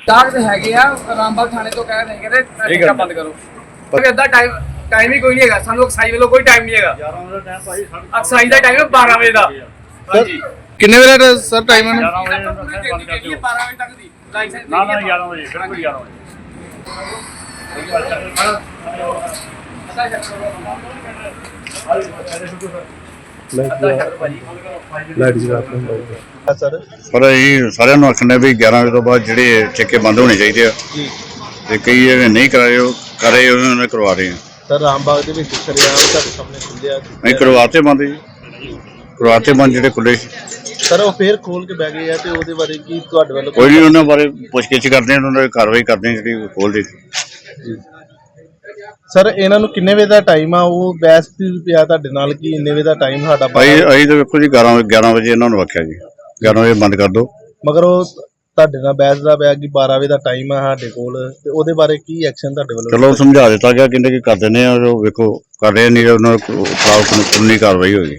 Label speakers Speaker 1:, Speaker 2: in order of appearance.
Speaker 1: ਡਾਕ ਤੇ ਹੈਗੇ ਆ ਰਾਮਬਾਗ ਥਾਣੇ ਤੋਂ ਕਹਿ ਰਹੇ ਕਹਿੰਦੇ ਠੇਕਾ ਬੰਦ ਕਰੋ ਪਰ ਇਦਾਂ ਟਾਈਮ ਹੀ ਕੋਈ ਨਹੀਂ ਹੈਗਾ ਸਾਨੂੰ ਐਕਸਾਈਜ਼ ਵੱਲੋਂ ਕੋਈ ਟਾਈਮ ਨਹੀਂ ਹੈਗਾ 11 ਵਜੇ ਦਾ ਟਾਈਮ ਭਾਈ ਐਕਸਾਈਜ਼ ਦਾ ਟਾਈਮ 12 ਵਜੇ ਦਾ ਹਾਂਜੀ
Speaker 2: ਕਿੰਨੇ ਵਜੇ ਦਾ ਸਰ ਟਾਈਮ ਹੈ
Speaker 1: 11 ਵਜੇ ਬੰਦ ਕਰ ਦਿਓ 12 ਵਜੇ ਤੱਕ ਦੀ ਲਾਇਸੈਂਸ
Speaker 3: ਨਾ 11 ਵਜੇ ਬਿਲਕੁਲ 11 ਵਜੇ
Speaker 2: ਲਾਈਟ ਜਗਾ ਸਰ
Speaker 4: ਪਰ ਅਸੀਂ ਸਾਰਿਆਂ ਨੂੰ ਆਖਣਾ ਵੀ 11 ਵਜੇ ਤੋਂ ਬਾਅਦ ਜਿਹੜੇ ਠੇਕੇ ਬੰਦ ਹੋਣੇ ਚਾਹੀਦੇ ਆ ਤੇ ਕਈ ਜਿਹੜੇ ਨਹੀਂ ਕਰਾਏ ਉਹ ਕਰ ਰਹੇ ਉਹਨਾਂ ਨੇ ਕਰਵਾ ਰਹੇ ਆ
Speaker 2: ਸਰ ਰਾਮਬਾਗ ਦੇ ਵਿੱਚ ਸਰਿਆਮ ਤੁਹਾਡੇ ਸਾਹਮਣੇ ਖੁੱਲਿਆ
Speaker 4: ਅਸੀਂ ਕਰਵਾਤੇ ਬੰਦ ਜੀ ਕਰਵਾਤੇ ਬੰਦ ਜਿਹੜੇ ਖੁੱਲੇ
Speaker 2: ਸਰ ਉਹ ਫੇਰ ਖੋਲ ਕੇ ਬਹਿ ਗਏ ਆ ਤੇ ਉਹਦੇ ਬਾਰੇ ਕੀ ਤੁਹਾਡੇ ਵੱਲੋਂ
Speaker 4: ਕੋਈ ਨਹੀਂ ਉਹਨਾਂ ਬਾਰੇ ਪੁੱਛਗਿੱਛ ਕਰਦੇ ਆ ਉਹਨਾਂ ਦੀ ਕਾਰਵਾਈ ਕਰਦੇ ਆ ਜਿਹੜੀ ਖੋਲ੍ਹਦੇ
Speaker 2: ਸਰ ਇਹਨਾਂ ਨੂੰ ਕਿੰਨੇ ਵਜੇ ਦਾ ਟਾਈਮ ਆ ਉਹ ਬੈਸ ਪਿਆ ਤੁਹਾਡੇ ਨਾਲ ਕੀ ਇੰਨੇ ਵਜੇ ਦਾ ਟਾਈਮ ਸਾਡਾ
Speaker 4: ਅਸੀਂ ਤਾਂ ਵੇਖੋ ਜੀ 11 ਵਜੇ ਇਹਨਾਂ ਨੂੰ ਆਖਿਆ ਜੀ 11 ਵਜੇ ਬੰਦ ਕਰ ਦਿਓ
Speaker 2: ਮਗਰ ਉਹ ਤੁਹਾਡੇ ਨਾਲ ਬੈਸ ਦਾ ਪਿਆ ਕਿ 12 ਵਜੇ ਦਾ ਟਾਈਮ ਆ ਸਾਡੇ ਕੋਲ ਤੇ ਉਹਦੇ ਬਾਰੇ ਕੀ ਐਕਸ਼ਨ ਤੁਹਾਡੇ ਵੱਲੋਂ
Speaker 4: ਚਲੋ ਸਮਝਾ ਦਿੱਤਾ ਗਿਆ ਕਹਿੰਦੇ ਕਿ ਕਰ ਦਿੰਦੇ ਆ ਉਹ ਵੇਖੋ ਕਰ ਰਹੇ ਨਹੀਂ ਉਹਨਾਂ ਕਾਨੂੰਨੀ ਕਾਰਵਾਈ ਹੋਈ